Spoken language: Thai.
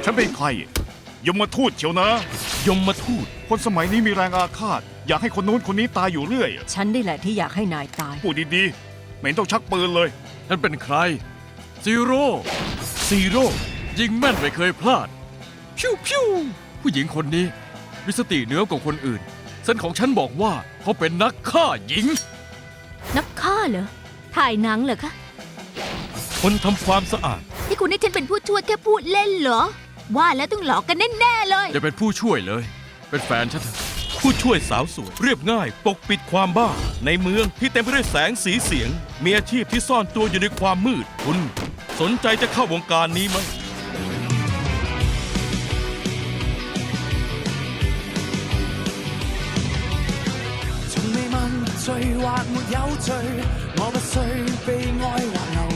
ฉันเป็นใครยมทูตเชียวนะยมมาทูตคนสมัยนี้มีแรงอาฆาตอยากให้คนนู้นคนนี้ตายอยู่เรื่อยฉันนี่แหละที่อยากให้นายตายพูดดีๆไม่เห็นต้องชักปืนเลยท่านเป็นใครซีโร่ซีโร่ยิงแม่นไม่เคยพลาดพิวพิวผู้หญิงคนนี้มีสติเหนือกว่าคนอื่นเส้นของฉันบอกว่าเขาเป็นนักฆ่าหญิงนักฆ่าเหรอ ถ่ายหนังเหรอคะคนทำความสะอาดที่คุณให้ฉันเป็นผู้ช่วยแค่พูดเล่นเหรอ ว่าแล้วต้องหลอกกันแน่ๆเลยอย่าเป็นผู้ช่วยเลย เป็นแฟนฉันเถอะผู้ช่วยสาวสวยเรียบง่ายปกปิดความบ้า ในเมืองที่เต็มไปด้วยแสงสีเสียง มีอาชีพที่ซ่อนตัวอยู่ในความมืด คุณสนใจจะเข้าวงการนี้ไหม從未問罪或沒有罪，我不需悲哀或流